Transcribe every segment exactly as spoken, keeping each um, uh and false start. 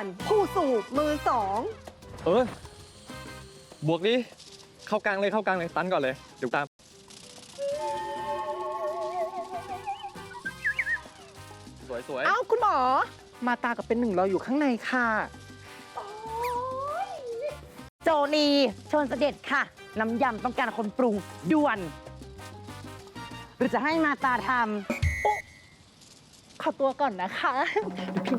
ผู้สูบมือสองเออ บวกดิเข้ากลางเลยเข้ากลางเลยตันก่อนเลยเดี๋ยวตาม สวยสวยเอ้าคุณหมอ มาตากับเป็นหนึ่งรออยู่ข้างในค่ะโจนีเชิญเสด็จค่ะ น้ำยำต้องการคนปรุงด่วน หรือจะให้มาตาทำโอ๊ะขอตัวก่อนนะคะเดี๋ยวพี่มา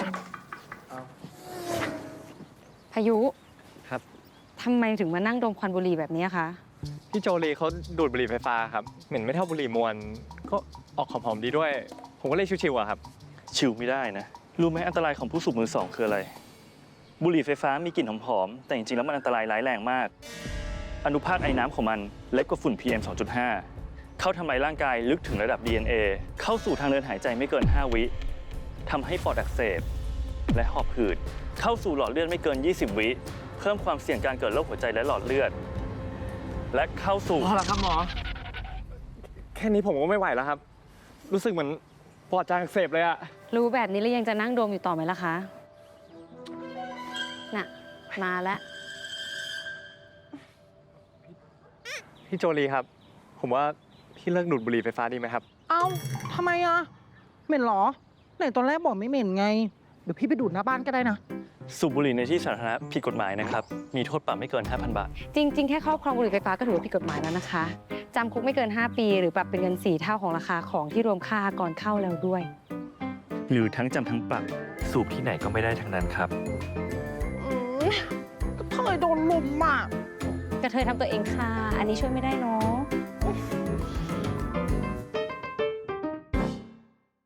พายุครับทำไมถึงมานั่งดมควันบุหรี่แบบนี้คะพี่โจลีเขาดูดบุหรี่ไฟฟ้าครับเหม็นไม่เท่าบุหรี่มวนก็ออกหอมๆดีด้วย ผมก็เลยชิวๆอะครับชิวไม่ได้นะ รู้ไหมอันตรายของผู้สูบมือสองคืออะไร บุหรี่ไฟฟ้ามีกลิ่นหอมๆแต่จริงๆแล้วมันอันตรายร้ายแรงมาก อนุภาคไอน้ำของมันเล็กกว่าฝุ่น พี เอ็ม สองจุดห้า เข้าทำลายร่างกายลึกถึงระดับ ดี เอ็น เอ เข้าสู่ทางเดินหายใจไม่เกิน ห้า วิทำให้ปอดอักเสบและหอบหืดเข้าสู่หลอดเลือดไม่เกิน ยี่สิบ วิเพิ่มความเสี่ยงการเกิดโรคหัวใจและหลอดเลือด และเข้าสู่พอแล้วครับหมอ แค่นี้ผมก็ไม่ไหวแล้วครับ รู้สึกเหมือนปอดจางอักเสบเลยอะรู้แบบนี้แล้วยังจะนั่งดมอยู่ต่อไหมล่ะคะ น่ะ มาแล้วพี่โจลีครับ ผมว่าพี่เลิกดูดบุหรี่ไฟฟ้าดีไหมครับเอ้าทำไมอะเหม็นเหรอไหนตอนแรกบอกไม่เหม็นไง เดี๋ยวพี่ไปดูดหน้าบ้านก็ได้นะสูบบุหรี่ในที่สาธารณะผิดกฎหมายนะครับมีโทษปรับไม่เกิน ห้าพัน บาทจริง ๆ แค่ครอบครองบุหรี่ไฟฟ้าก็ถือว่าผิดกฎหมายแล้วนะคะ จำคุกไม่เกิน ห้า ปี หรือปรับเป็นเงิน สี่ เท่าของราคาของที่รวมค่าก่อนเข้าแล้วด้วยหรือทั้งจำทั้งปรับสูบที่ไหนก็ไม่ได้ทั้งนั้นครับอืมก็เธอโดนลุมอ่ะกระเทยทำตัวเองค่ะ อันนี้ช่วยไม่ได้เนาะ